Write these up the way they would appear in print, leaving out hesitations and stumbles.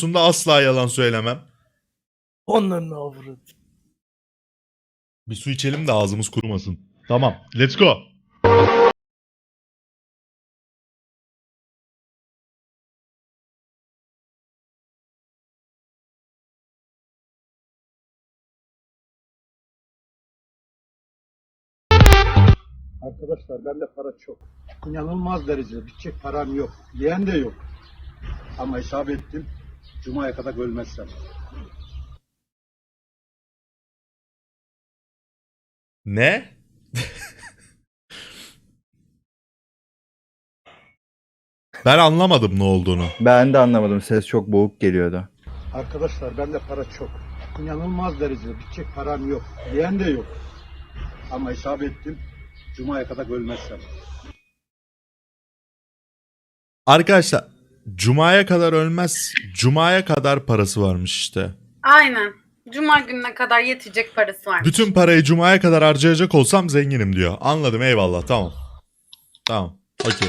konusunda asla yalan söylemem. Onların avradı. Bir su içelim de ağzımız kurumasın. Tamam. Let's go. Arkadaşlar bende para çok. İnanılmaz derecede bitecek param yok. Diyen de yok. Ama hesap ettim. Cuma'ya kadar ölmezsem. Ne? Ben anlamadım ne olduğunu. Ben de anlamadım. Ses çok boğuk geliyordu. Arkadaşlar bende para çok. İnanılmaz derecede bitecek param yok. Diyen de yok. Ama hesap ettim. Cuma'ya kadar ölmezsem. Arkadaşlar Cuma'ya kadar ölmez. Cuma'ya kadar parası varmış işte. Aynen. Cuma gününe kadar yetecek parası var. Bütün parayı Cuma'ya kadar harcayacak olsam zenginim diyor. Anladım, eyvallah, tamam. Tamam. Okey.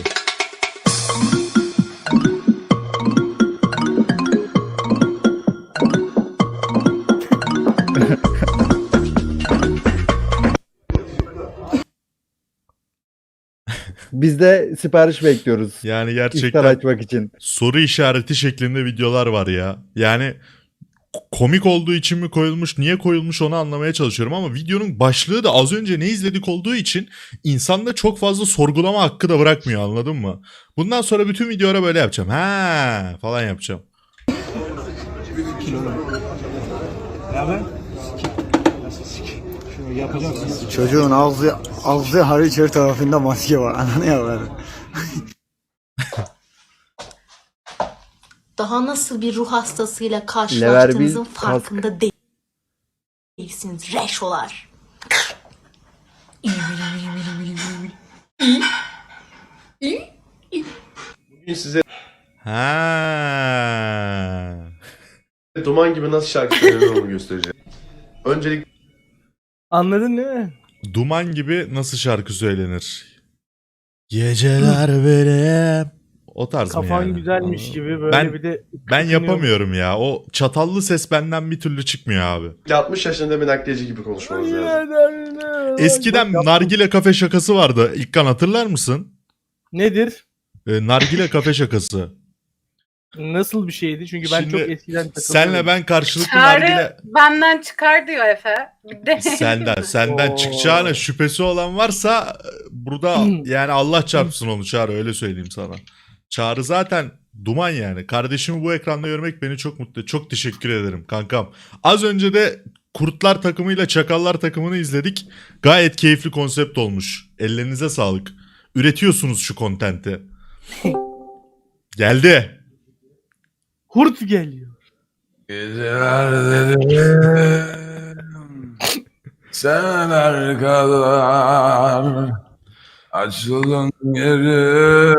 Biz de sipariş bekliyoruz. Yani İftar gerçekten açmak için. soru işareti şeklinde videolar var ya. Yani komik olduğu için mi koyulmuş, niye koyulmuş onu anlamaya çalışıyorum ama videonun başlığı da az önce ne izledik olduğu için insanda çok fazla sorgulama hakkı da bırakmıyor, anladın mı? Bundan sonra bütün videolara böyle yapacağım. Ha falan yapacağım. Çocuğun ağzı hariç her tarafında maske var. Ananı yavrum. Daha nasıl bir ruh hastasıyla Lever karşılaştığınızın bir farkında değilsiniz reşolar. Bugün size Ha. Duman gibi nasıl şarkı söylenir onu göstereceğim. Öncelikle Anladın değil mi? Duman gibi nasıl şarkı söylenir? Geceler benim. O tarz mı Kafan yani? güzelmiş gibi böyle Ben- bir de... Ben yapamıyorum ya. O çatallı ses benden bir türlü çıkmıyor abi. 60 yaşında bir nakliyeci gibi konuşmanız lazım. Eskiden nargile kafe şakası vardı. İlkan hatırlar mısın? Nedir? Nargile kafe şakası. Nasıl bir şeydi? Çünkü ben Şimdi çok eskiden takıldım. Senle ben karşılıklı Çağrı nargile... benden çıkar diyor Efe. Bir de Senden Oo. çıkacağına şüphesi olan varsa burada yani Allah çarpsın onu Çağrı, öyle söyleyeyim sana. Çağrı zaten duman yani. Kardeşimi bu ekranda görmek beni çok mutlu ediyor. Çok teşekkür ederim kankam. Az önce de Kurtlar takımıyla Çakallar takımını izledik. Gayet keyifli konsept olmuş. Ellerinize sağlık. Üretiyorsunuz şu kontenti. Geldi. Kurt geliyor. Geceler dedim seneler kadar açıldın yeri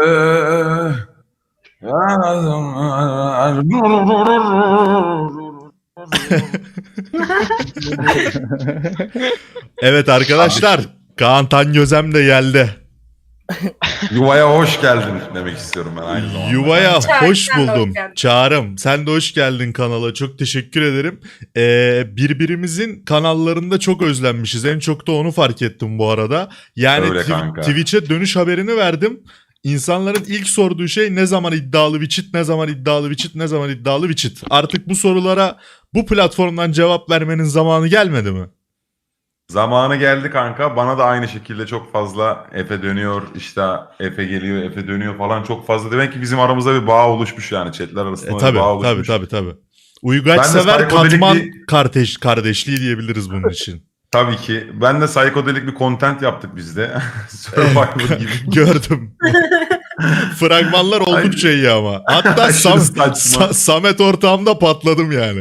Evet arkadaşlar. Kaan Tangözem de geldi. Yuvaya hoş geldin demek istiyorum ben aynı zamanda. Yuvaya Çağrı, hoş sen de hoş buldum. geldin. Çağrım sen de hoş geldin kanala. Çok teşekkür ederim. Birbirimizin kanallarında çok özlenmişiz. En çok da onu fark ettim bu arada. Yani Öyle kanka. Twitch'e dönüş haberini verdim. İnsanların ilk sorduğu şey ne zaman iddialı bir cheat, ne zaman iddialı bir cheat, ne zaman iddialı bir cheat. Artık bu sorulara bu platformdan cevap vermenin zamanı gelmedi mi? Zamanı geldi kanka. Bana da aynı şekilde çok fazla Efe dönüyor, işte Efe geliyor, Efe dönüyor falan çok fazla. Demek ki bizim aramızda bir bağ oluşmuş yani. Chatler arasında bir Tabii bağ oluşmuş. tabii. Uygaç Ben de sever psikodelik katman bir- kardeşliği diyebiliriz bunun için. Tabii ki. Ben de psikodelik bir content yaptık biz de. Survivor gibi. Gördüm. Fragmanlar oldukça iyi ama. Hatta Aşırı saçma. Samet ortağımda patladım yani.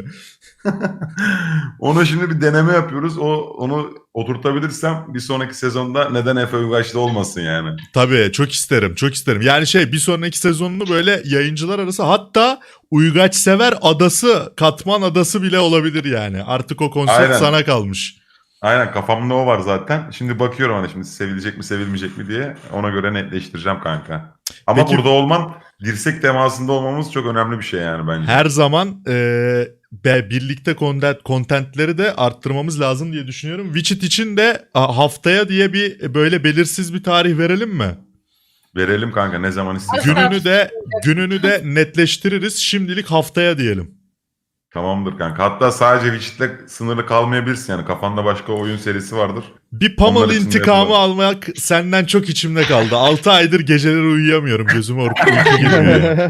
Onu şimdi bir deneme yapıyoruz. Onu oturtabilirsem bir sonraki sezonda neden Efe Uygaç'ta olmasın yani. Tabii çok isterim. Yani bir sonraki sezonunu böyle yayıncılar arası, hatta Uygaç sever adası, katman adası bile olabilir yani. Artık o konsept Aynen. sana kalmış. Aynen kafamda o var zaten. Şimdi bakıyorum hani şimdi sevilecek mi sevilmeyecek mi diye. Ona göre netleştireceğim kanka. Ama Peki- burada olman, dirsek temasında olmamız çok önemli bir şey yani bence. Her zaman birlikte contentleri de arttırmamız lazım diye düşünüyorum. Witcher için de haftaya diye bir böyle belirsiz bir tarih verelim mi? Verelim kanka ne zaman istiyorsan. Gününü de netleştiririz. Şimdilik haftaya diyelim. Tamamdır kanka. Hatta sadece Witcher'le sınırlı kalmayabilirsin yani. Kafanda başka oyun serisi vardır. Bir Pummel Onlar için de intikamı yapalım. almak senden çok içimde kaldı. 6 aydır geceleri uyuyamıyorum. Gözüme uyku girmiyor.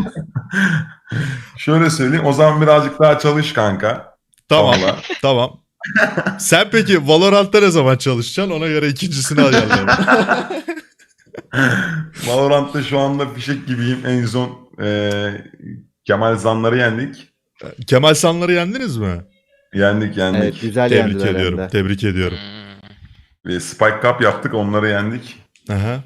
Şöyle söyleyeyim o zaman birazcık daha çalış kanka. Tamam. Vallahi. Tamam. Sen peki Valorant'ta ne zaman çalışacaksın? Ona göre ikincisini ayarlayalım. Valorant'ta şu anda fişek gibiyim. En son Kemal Zanlar'ı yendik. Kemal Sanlar'ı yendiniz mi? Yendik. Evet güzel Tebrik yendiler hem ediyorum. de. Tebrik ediyorum. Ve Spike Cup yaptık onları yendik. Aha.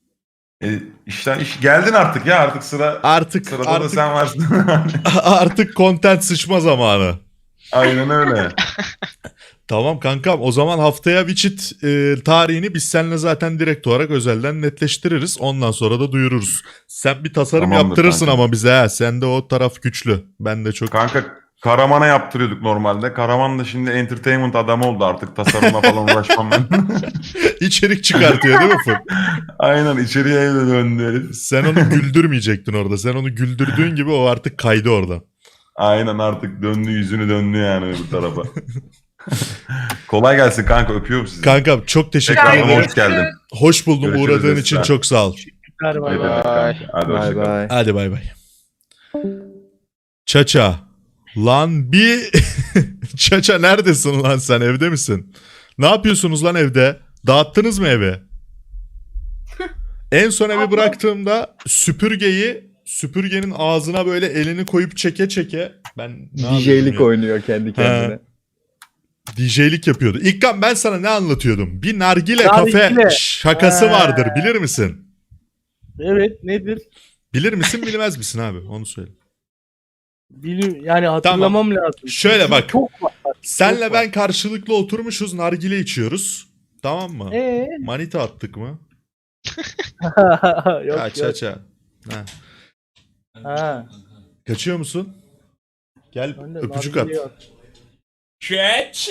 Geldin artık ya artık Artık sırada da sen varsın. artık content sıçma zamanı. Aynen öyle. Tamam kankam, o zaman haftaya Witcher tarihini biz seninle zaten direkt olarak özelden netleştiririz. Ondan sonra da duyururuz. Sen bir tasarım Tamamdır yaptırırsın kanka. ama bize ha. Sende o taraf güçlü. Ben de çok... Kanka Karaman'a yaptırıyorduk normalde. Karaman da şimdi entertainment adamı oldu artık. Tasarımla falan uğraşmam ben. içerik çıkartıyor değil mi Fır? Aynen içeriye de döndü herif. Sen onu güldürmeyecektin orada. Sen onu güldürdüğün gibi o artık kaydı orada. Aynen artık döndü yüzünü döndü yani öbür tarafa. Kolay gelsin kanka öpüyorum sizi. Kankam çok teşekkür Tekrardan ederim. hoş geldin. Hoş buldum. Görüşürüz Uğradığın Esra. için çok sağ ol. Ver Ne bay demek bay. kanka. Hadi Bay hoşçakal. bay. Hadi bay bay. Çaça. Lan bir... Çaça neredesin lan sen? Evde misin? Ne yapıyorsunuz lan evde? Dağıttınız mı evi? En son evi bıraktığımda süpürgenin ağzına böyle elini koyup çeke çeke ben ne yapıyordum DJ'lik ya? oynuyor kendi kendine. DJ'lik yapıyordu. İlkan ben sana ne anlatıyordum? Bir nargile Nargile. kafe şakası Ha. vardır, bilir misin? Evet nedir? Bilir misin bilmez misin abi? Onu söyle. Yani hatırlamam lazım. Şöyle Çünkü bak. Çok var. Senle Çok ben karşılıklı oturmuşuz, nargile içiyoruz. Tamam mı? Manita attık mı? Yok Ha, yok. Çaça. Ha. Ha. Kaçıyor musun? Gel Ben de öpücük at. nargile yok. Catch.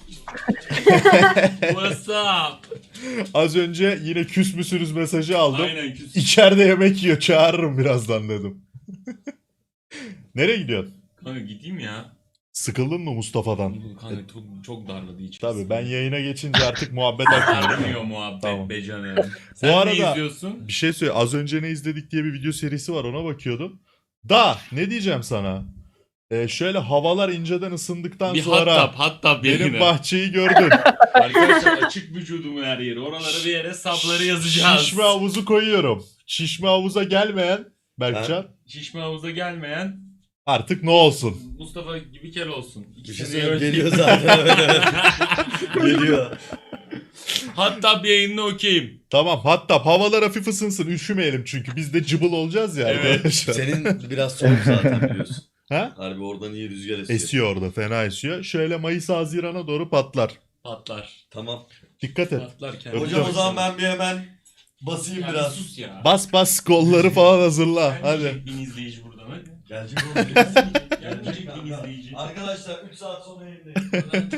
What's up? Az önce yine küs müsünüz mesajı aldım. Aynen küs. İçeride yemek yiyor, çağırırım birazdan dedim. Nereye gidiyorsun? Kanka gideyim ya. Sıkıldın mı Mustafa'dan? Kanka çok darladı içim. Tabii ben yayına geçince artık muhabbet akmıyor. Sarmıyor muhabbet Tamam. be canım. Sen arada- ne izliyorsun? Bir şey söyle, az önce ne izledik diye bir video serisi var, ona bakıyordum. Da ne diyeceğim sana? Şöyle havalar inceden ısındıktan Bir sonra hatta benim yayına. bahçeyi gördün. Arkadaşlar açık vücudumun her yeri. Oralara bir yere sapları yazacağız. Şişme havuzu koyuyorum. Şişme havuza gelmeyen Berkcan Şişme havuza gelmeyen artık ne olsun? Mustafa gibi kel olsun. Bir şey İkisini söyleyeyim, de geliyor ölçeyim. zaten. Evet. Geliyor. Hatta bir yayınına okeyim. Tamam, hatta havalar hafif ısınsın, üşümeyelim çünkü biz de cıbıl olacağız ya Evet. arkadaşlar. Senin biraz soğuk zaten biliyorsun. Ha? Harbi oradan iyi rüzgar esiyor. Esiyor orada, fena esiyor. Şöyle Mayıs Haziran'a doğru patlar. Patlar. Tamam. Dikkat et. Patlar Öpüyorum. Hocam o zaman ben bir hemen basayım Ya biraz. sus ya. Bas bas kolları falan hazırla. Hadi. Gelmeyecek bin izleyici buradan hadi. Gelecek oğlum. Gelecek bin izleyici. Arkadaşlar 3 saat sonra yayındayım.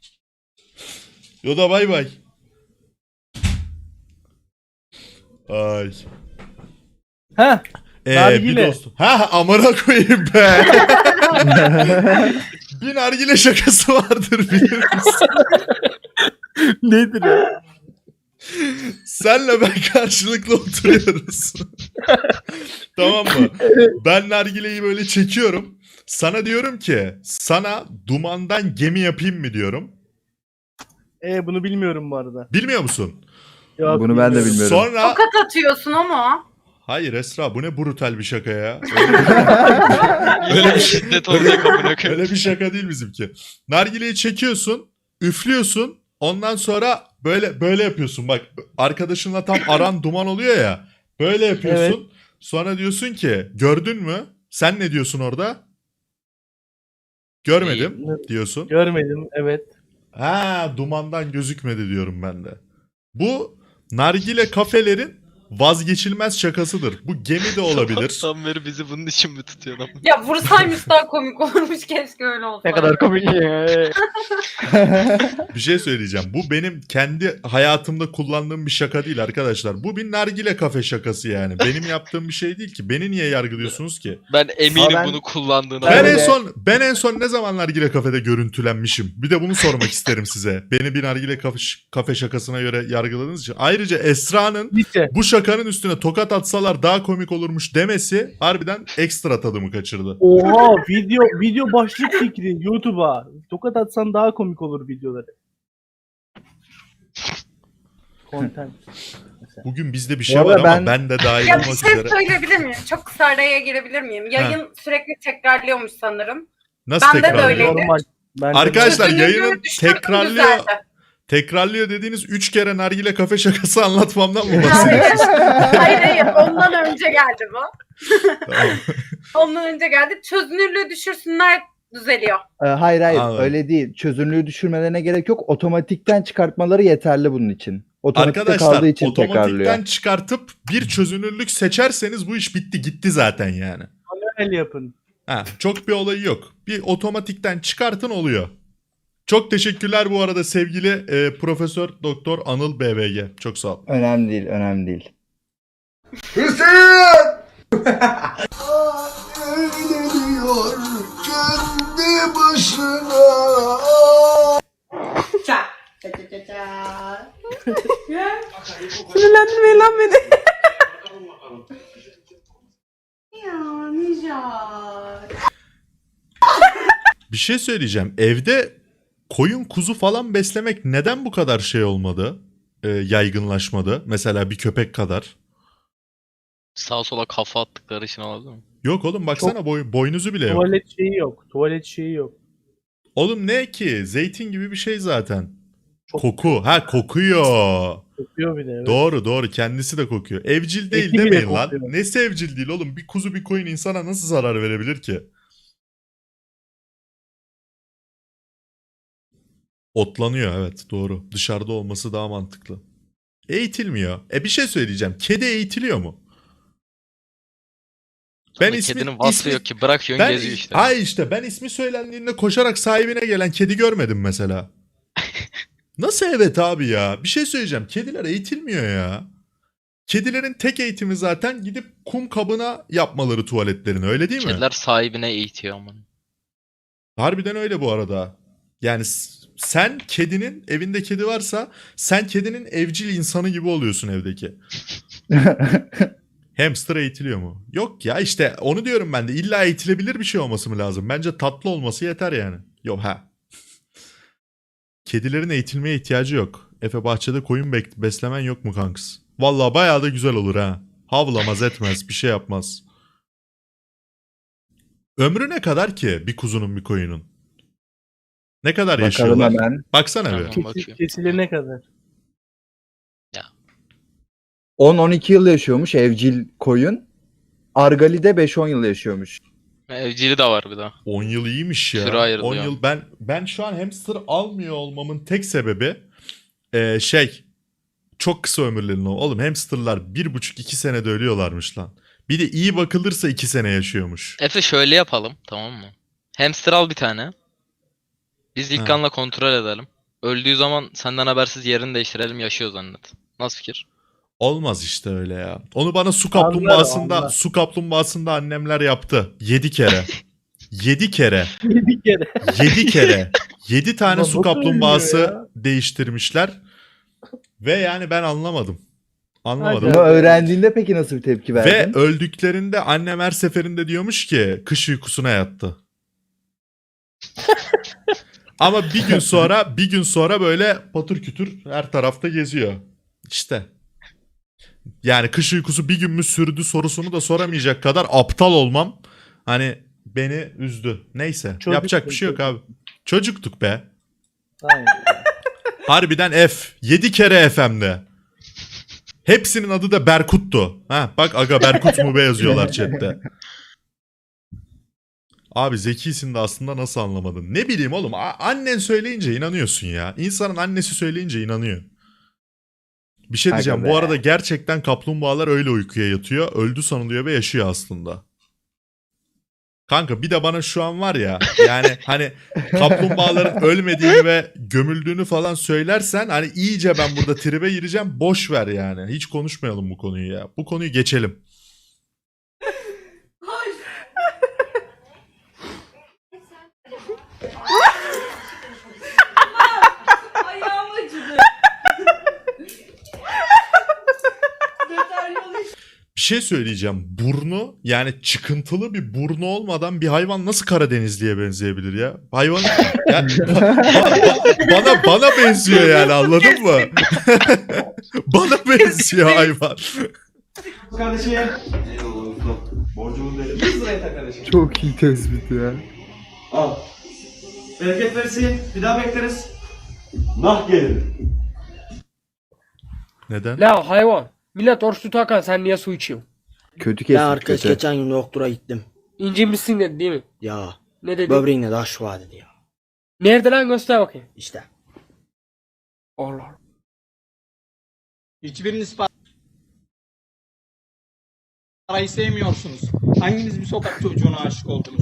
Yoda bay bay. Ay. Ha. Bir Nargile. dostum. Ha amına koyayım be. Bir nargile şakası vardır bilir misin? Nedir ya? Senle ben karşılıklı oturuyoruz. Tamam mı? Ben nargileyi böyle çekiyorum. Sana diyorum ki sana dumandan gemi yapayım mı diyorum. Bunu bilmiyorum bu arada. Bilmiyor musun? Yok, Bunu ben de bilmiyorum. Sonra Tokat atıyorsun ama. hayır Esra, bu ne brutal bir şaka ya. Öyle bir şiddet olacak amına Öyle bir şaka değil bizimki. Nargileyi çekiyorsun, üflüyorsun. Ondan sonra böyle yapıyorsun. Bak arkadaşınla tam aran duman oluyor ya. Böyle yapıyorsun. Sonra diyorsun ki gördün mü? Sen ne diyorsun orada? Görmedim diyorsun. Görmedim evet. Ha, dumandan gözükmedi diyorum ben de. Bu nargile kafelerin vazgeçilmez şakasıdır. Bu gemi de olabilir. Tam beri bizi bunun için mi tutuyor lan? Ya vursaymış daha komik olurmuş, keşke öyle olsa. Ne kadar komik ya. Bir şey söyleyeceğim. Bu benim kendi hayatımda kullandığım bir şaka değil arkadaşlar. Bu bir nargile kafe şakası yani. Benim yaptığım bir şey değil ki. Beni niye yargılıyorsunuz ki? Ben eminim ben- bunu kullandığına. Ben en son ne zaman nargile kafede görüntülenmişim? Bir de bunu sormak isterim size. Beni bir nargile kafe şakasına göre yargıladığınız için. Ayrıca Esra'nın Lise. bu şakanın üstüne tokat atsalar daha komik olurmuş demesi harbiden ekstra tadımı kaçırdı. Oha, video başlık fikri YouTube'a. Tokat atsan daha komik olur videoları. Content. Bugün bizde bir Bu şey arada var ama ben- ben de dahil Ya bir olmak şey üzere. söyleyebilir miyim? Çok kısa araya girebilir miyim? Yayın sürekli tekrarlıyormuş sanırım. Nasıl Bende de tekrarlıyor? öyleydi. Normal. Ben de- Arkadaşlar Çözünürlüğü yayının düşürdüm, tekrarlıyor. düzeldi. Tekrarlıyor dediğiniz 3 kere nargile kafe şakası anlatmamdan mı Hayır, bahsediyorsunuz? hayır, ondan önce geldi bu. Tamam. Ondan önce geldi. Çözünürlüğü düşürsünler, düzeliyor. Hayır Anladım. öyle değil. Çözünürlüğü düşürmelerine gerek yok. Otomatikten çıkartmaları yeterli bunun için. Otomatikte Arkadaşlar kaldığı için tekrarlıyor. otomatikten çıkartıp bir çözünürlük seçerseniz bu iş bitti gitti zaten yani. Manuel yapın. Ha, çok bir olayı yok. Bir otomatikten çıkartın oluyor. Çok teşekkürler bu arada sevgili Profesör Doktor Anıl BVG. Çok sağ ol. Önemli değil, önemli değil. Sinirlendirmeyin lan beni. Ya Nijar. Bir şey söyleyeceğim. Evde koyun kuzu falan beslemek neden bu kadar şey olmadı? Yaygınlaşmadı. Mesela bir köpek kadar. Sağa sola kafa attıkları için olabilir mi? Yok oğlum baksana boynuzu bile yok. Tuvalet şeyi yok. Tuvalet şeyi yok. Oğlum ne ki? Zeytin gibi bir şey zaten. Koku. Ha kokuyor. Kokuyor bir de. Evet. Doğru kendisi de kokuyor. Evcil değil Eti bile demeyin lan. kokuyor. Nesi evcil değil oğlum? Bir kuzu bir koyun insana nasıl zarar verebilir ki? Otlanıyor evet doğru. Dışarıda olması daha mantıklı. Eğitilmiyor. Bir şey söyleyeceğim. Kedi eğitiliyor mu? Ben Ama kedinin vasfı yok ki, bırakıyorsun geziyor işte. Ay işte ben ismi söylendiğinde koşarak sahibine gelen kedi görmedim mesela. Nasıl evet abi ya? Bir şey söyleyeceğim. Kediler eğitilmiyor ya. Kedilerin tek eğitimi zaten gidip kum kabına yapmaları tuvaletlerini öyle değil mi? Kediler sahibine eğitiyor ama. Harbiden öyle bu arada. Yani sen kedinin evinde kedi varsa sen kedinin evcil insanı gibi oluyorsun evdeki. Hamster eğitiliyor mu? Yok ya işte onu diyorum ben de. İlla eğitilebilir bir şey olması mı lazım? Bence tatlı olması yeter yani. Yok ha. Kedilerin eğitilmeye ihtiyacı yok. Efe bahçede koyun beslemen yok mu kanks? Vallahi bayağı da güzel olur ha. Havlamaz etmez bir şey yapmaz. Ömrü ne kadar ki bir kuzunun bir koyunun? Ne kadar Bakalım yaşıyorlar? hemen. Baksana Tamam. bir. Bakayım. Kesilene kadar. 10-12 yıl yaşıyormuş evcil koyun. Argali'de 5-10 yıl yaşıyormuş. Evcili de var bir daha. 10 yıl iyiymiş ya. Süre ayrılıyor. 10 yıl ben şu an hamster almıyor olmamın tek sebebi çok kısa ömürlerin oğlum hamsterlar 1,5-2 senede ölüyorlarmış lan. Bir de iyi bakılırsa 2 sene yaşıyormuş. Efe şöyle yapalım, tamam mı? Hamster al bir tane. Biz İlkan'la kontrol edelim. Öldüğü zaman senden habersiz yerini değiştirelim, yaşıyor zannet. Nasıl fikir? Olmaz işte öyle ya. Onu bana Anlar. su kaplumbağasında annemler yaptı. 7 kere. 7 kere. Bir kere. 7 kere. 7 tane Ulan su nasıl kaplumbağası ölüyor ya? değiştirmişler. Ve yani ben anlamadım. Anlamadım. Hadi. Bunu öğrendiğinde peki nasıl bir tepki Ve verdin? öldüklerinde annem her seferinde diyormuş ki kış uykusuna yattı. Ama bir gün sonra böyle patır kütür her tarafta geziyor. İşte. Yani kış uykusu bir gün mü sürdü sorusunu da soramayacak kadar aptal olmam. Hani beni üzdü. Neyse. Çocuktuk, Yapacak bir şey yok abi. Çocuktuk be. Aynen. Harbiden F. 7 kere F hem de. Hepsinin adı da Berkut'tu. Ha, bak aga Berkut mu be yazıyorlar chatte. Abi zekisin de aslında nasıl anlamadın? Ne bileyim oğlum, annen söyleyince inanıyorsun ya. İnsanın annesi söyleyince inanıyor. Bir şey diyeceğim. Aga Bu be. arada gerçekten kaplumbağalar öyle uykuya yatıyor. Öldü sanılıyor ve yaşıyor aslında. Kanka bir de bana şu an var ya, yani hani kaplumbağaların ölmediğini ve gömüldüğünü falan söylersen hani iyice ben burada tribe gireceğim. Boş ver yani. Hiç konuşmayalım bu konuyu ya. Bu konuyu geçelim. Ayağım acıdı. Bir şey söyleyeceğim. Burnu, yani çıkıntılı bir burnu olmadan bir hayvan nasıl Karadenizli'ye benzeyebilir ya? Hayvan yani bana benziyor yani, anladın mı? Bana benziyor hayvan. Kardeşim. Eyvallah. Borcumu verin. 100 liraya tak kardeşim. Çok iyi tespit ya. Al. Bereket versin. Bir daha bekleriz. Nah gelin. Neden? La hayvan. Millet oruç tutarken sen niye su içiyorsun? Kötü kesin. Kötü. geçen gün doktora gittim. İncinmişsin dedi değil mi? Ya Ne dedi? böbreğinde taş var dedi ya. Nerede lan, göster bakayım. İşte. Allah Allah. Hiçbiriniz parayı sevmiyorsunuz. Hanginiz bir sokak çocuğuna aşık oldunuz?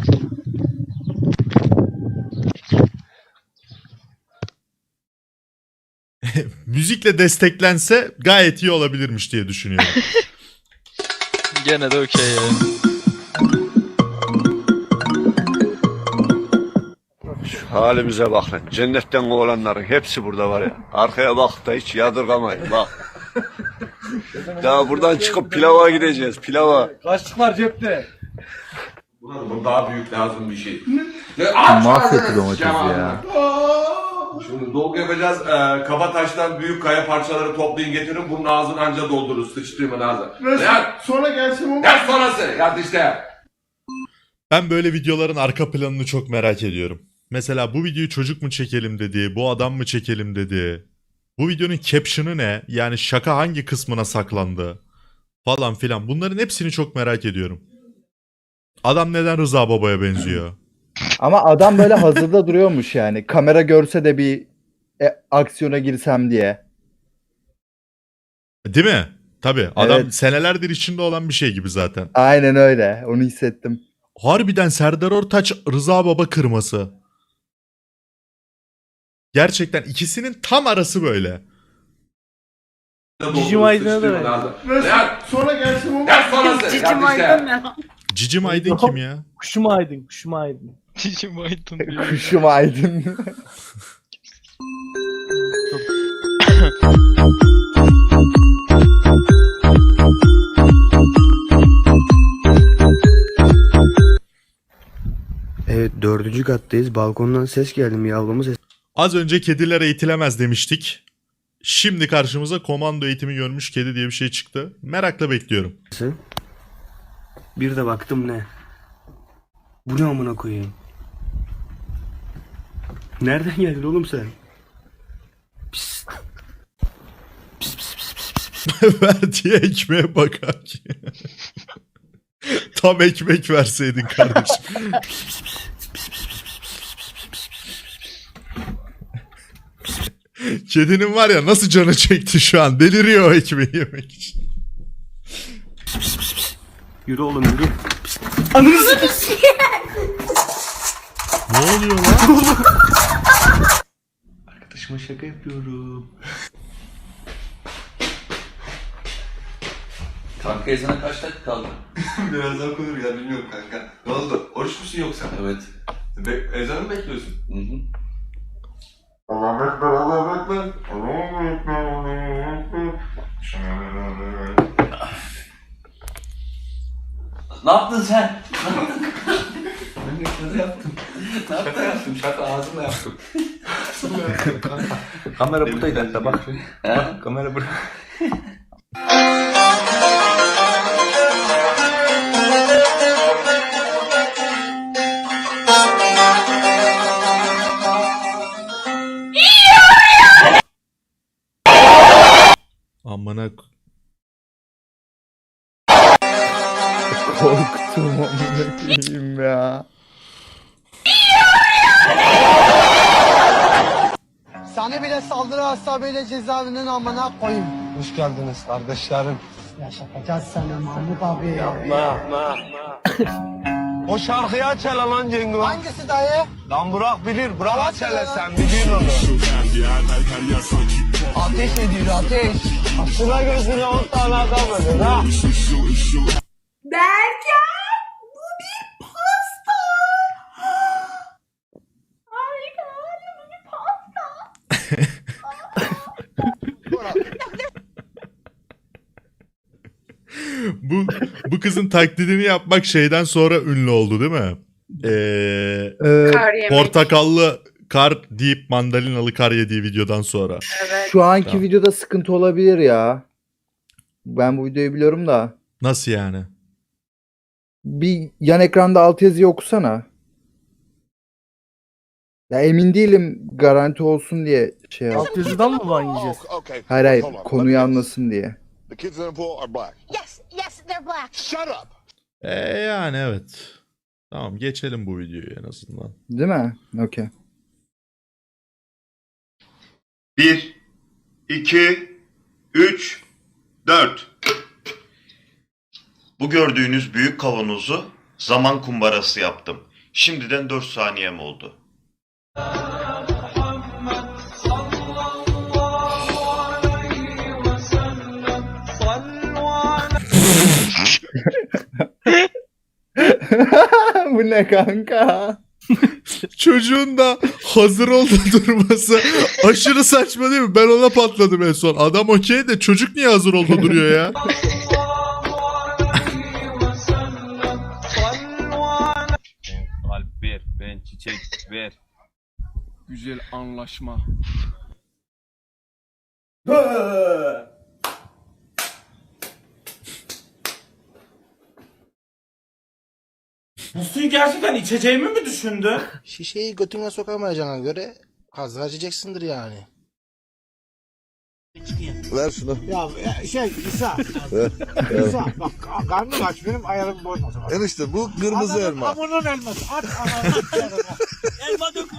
Müzikle desteklense gayet iyi olabilirmiş diye düşünüyorum. Gene de okey ya. Halimize bak lan. Cennetten olanların hepsi burada var ya. Arkaya bak da hiç yadırgamayın bak. Daha buradan çıkıp pilava gideceğiz, pilava. Kaçlık var cepte. Bu daha büyük lazım bir şey. Mahvetti domatesi ya. Şimdi dolgu yapacağız. Kaba taştan büyük kaya parçaları toplayın getirin. Bunun ağzını anca doldururuz. Sıçtırmayın ağzına. Ya Sonra gelsin o. ya sonrası. Ya işte. Ben böyle videoların arka planını çok merak ediyorum. Mesela bu videoyu çocuk mu çekelim dedi, bu adam mı çekelim dedi. Bu videonun caption'ı ne? Yani şaka hangi kısmına saklandı? Falan filan. Bunların hepsini çok merak ediyorum. Adam neden Rıza Baba'ya benziyor? Ama adam böyle hazırda duruyormuş yani. Kamera görse de bir aksiyona girsem diye. Değil mi? Tabii. Adam Evet. senelerdir içinde olan bir şey gibi zaten. Aynen öyle. Onu hissettim. Harbiden Serdar Ortaç Rıza Baba kırması. Gerçekten ikisinin tam arası böyle. Cicim Aydın'a da benziyor. Ya Sonra gelsin o. ya sonrası. Cicim Aydın ne? Cicim Aydın kim ya? Kuşum aydın, kuşum aydın. Cicim Aydın diyor. Kuşum aydın. Evet 4. kattayız. Balkondan ses geldi mi yavrumu ses. Az önce kediler eğitilemez demiştik. Şimdi karşımıza komando eğitimi görmüş kedi diye bir şey çıktı. Merakla bekliyorum. Bir de baktım ne? Bu ne amına koyayım? Nereden geldin oğlum sen? Pis. Verdiği ekmeğe bakar ki. Tam ekmek verseydin kardeşim. Kedinin var ya nasıl canı çekti şu an. Deliriyor o ekmeği yemek için. Yürü oğlum yürü. Ne oluyor lan? Arkadaşıma şaka yapıyorum. Kanka ezana kaç dakika kaldı? Birazdan okunur ya bilmiyorum kanka. Ne oldu? Oruç musun yoksa? Evet. Ezanı mı bekliyorsun? Hı hı. Allahu Ekber, Allahu Ekber. Allahu Ekber, Allahu Ekber. Ne yaptın sen? Ben de şaka yaptım. Ne yaptın? Şaka yaptım, şaka ağzımla yaptım. Kamera buradaydı hatta bak. Bak kamera burada. Amına Korktum amına koyayım ya. Seni bile saldırı hasabıyla cezaevinin amına koyayım. Hoş geldiniz kardeşlerim. Yaşatacağız seni Mahmut abi. Yapma. O şarkıyı aç hele lan Cengo. Hangisi dayı? Lan Burak bilir. Burak aç hele sen biliyorsun onu. Ateş ediyor ateş. Açına gözüne 10 tane adam ölür ha. Berkan! Bu bir pasta! Harika! Bu bir pasta! Bu kızın taklidini yapmak şeyden sonra ünlü oldu değil mi? Kar yemek. Portakallı kar deyip mandalinalı kar yediği videodan sonra. Evet. Şu anki Tamam. videoda sıkıntı olabilir ya. Ben bu videoyu biliyorum da. Nasıl yani? Bir yan ekranda altyazıyı okusana. Ya emin değilim, garanti olsun diye şey yap. Altyazıdan mı ban yiyeceğiz? Hayır hayır, konuyu anlasın diye. Yes, they're black. Yani evet. Tamam geçelim bu videoyu en azından. Değil mi? Okey. 1, 2, 3, 4. Bu gördüğünüz büyük kavanozu zaman kumbarası yaptım. Şimdiden 4 saniyem oldu. Bu ne kanka? Çocuğun da hazır oldu durması aşırı saçma değil mi? Ben ona patladım en son. Adam okey de çocuk niye hazır oldu duruyor ya? Kalp ver, ben çiçek ver. Güzel anlaşma. Bu suyu gerçekten içeceğimi mi düşündü? Şişeyi götüne sokamayacağına göre hazır açacaksındır yani. Ver şunu. Ya İsa. İsa bak karnım aç benim ayarımı bozma. Enişte bu kırmızı elma. Hamurun elması. At ananı. Elma dök.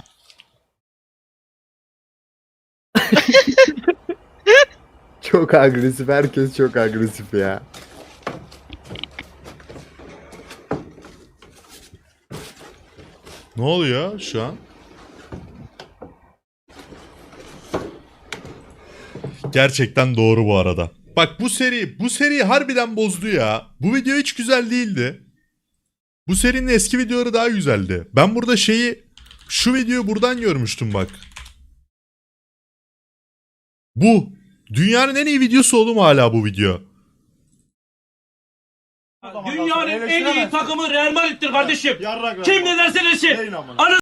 Çok agresif. Herkes çok agresif ya. Ne oluyor şu an? Gerçekten doğru bu arada. Bak bu seri harbiden bozdu ya. Bu video hiç güzel değildi. Bu serinin eski videoları daha güzeldi. Ben burada şu videoyu buradan görmüştüm bak. Bu. Dünyanın en iyi videosu oğlum hala bu video. Dünyanın en iyi takımı Real Madrid'dir kardeşim. Kim ne derse desin.